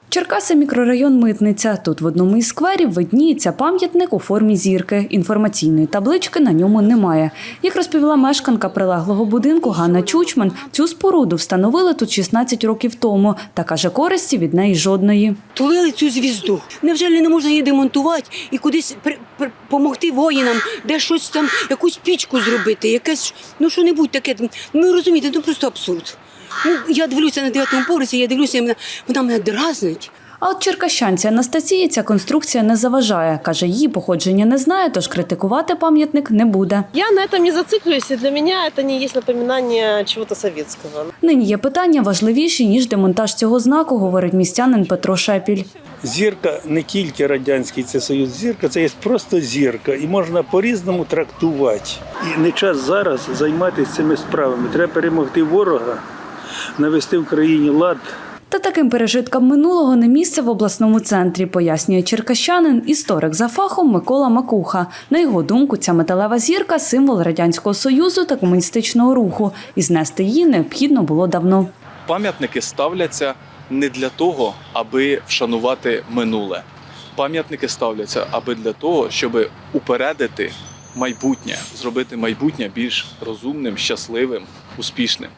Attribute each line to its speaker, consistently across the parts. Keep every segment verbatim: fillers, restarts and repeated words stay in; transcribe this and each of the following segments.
Speaker 1: Черкаси – мікрорайон Митниця. Тут в одному із скверів видніється пам'ятник у формі зірки. Інформаційної таблички на ньому немає. Як розповіла мешканка прилеглого будинку Ганна Чучман, цю споруду встановили тут шістнадцять років тому. Та, каже, користі від неї жодної.
Speaker 2: Тулили цю звізду. Невже не можна її демонтувати і кудись допомогти воїнам, де щось там, якусь пічку зробити, якесь, ну що-небудь таке. Ну розумієте, ну просто абсурд. Ну, я дивлюся на дев'ятому поверсі, я дивлюся, вона, вона мене дразнить.
Speaker 1: А от черкащанці Анастасії ця конструкція не заважає. Каже, її походження не знає, тож критикувати пам'ятник не буде.
Speaker 3: Я на этом не зациклююсь, и для меня это не есть напоминание чего-то советского.
Speaker 1: Нині є питання важливіші, ніж демонтаж цього знаку, говорить містянин Петро Шепіль.
Speaker 4: Зірка не тільки радянський це союз, зірка це є просто зірка і можна по-різному трактувати. І не час зараз займатися цими справами. Треба перемогти ворога, навести в країні лад.
Speaker 1: Та таким пережиткам минулого не місце в обласному центрі, пояснює черкащанин, історик за фахом Микола Макуха. На його думку, ця металева зірка – символ Радянського Союзу та комуністичного руху. І знести її необхідно було давно.
Speaker 5: Пам'ятники ставляться не для того, аби вшанувати минуле. Пам'ятники ставляться аби для того, щоб упередити майбутнє, зробити майбутнє більш розумним, щасливим, успішним.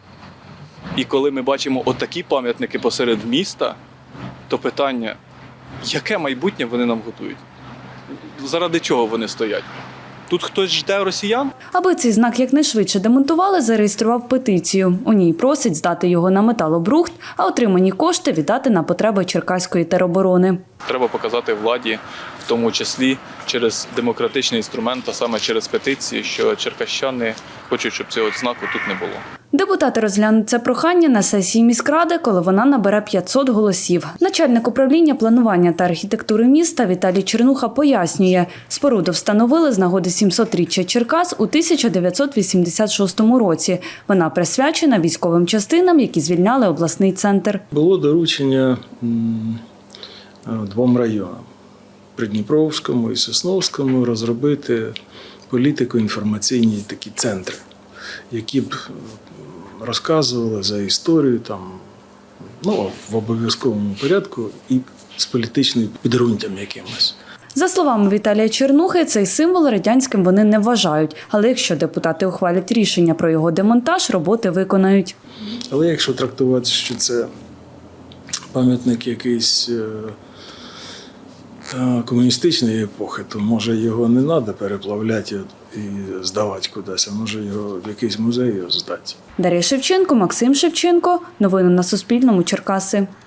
Speaker 5: І коли ми бачимо отакі пам'ятники посеред міста, то питання, яке майбутнє вони нам готують? Заради чого вони стоять? Тут хтось жде росіян?
Speaker 1: Аби цей знак якнайшвидше демонтували, зареєстрував петицію. У ній просить здати його на металобрухт, а отримані кошти віддати на потреби Черкаської тероборони.
Speaker 5: Треба показати владі, в тому числі через демократичний інструмент, а саме через петиції, що черкащани хочуть, щоб цього знаку тут не було.
Speaker 1: Депутати розглянуть це прохання на сесії міськради, коли вона набере п'ятсот голосів. Начальник управління планування та архітектури міста Віталій Чернуха пояснює, споруду встановили з нагоди сімсотріччя Черкас у тисяча дев'ятсот вісімдесят шостому році. Вона присвячена військовим частинам, які звільняли обласний центр.
Speaker 6: Було доручення двом районам – Придніпровському і Сосновському – розробити політико-інформаційні такі центри, які б розказували за історію там, ну, в обов'язковому порядку і з політичним підґрунтям якимось.
Speaker 1: За словами Віталія Чернухи, цей символ радянським вони не вважають. Але якщо депутати ухвалять рішення про його демонтаж, роботи виконають.
Speaker 6: Але якщо трактувати, що це пам'ятник якийсь комуністичної епохи, то може його не треба переплавляти і здавати кудись, а може його в якийсь музей здати.
Speaker 1: Дар'я Шевченко, Максим Шевченко. Новини на Суспільному. Черкаси.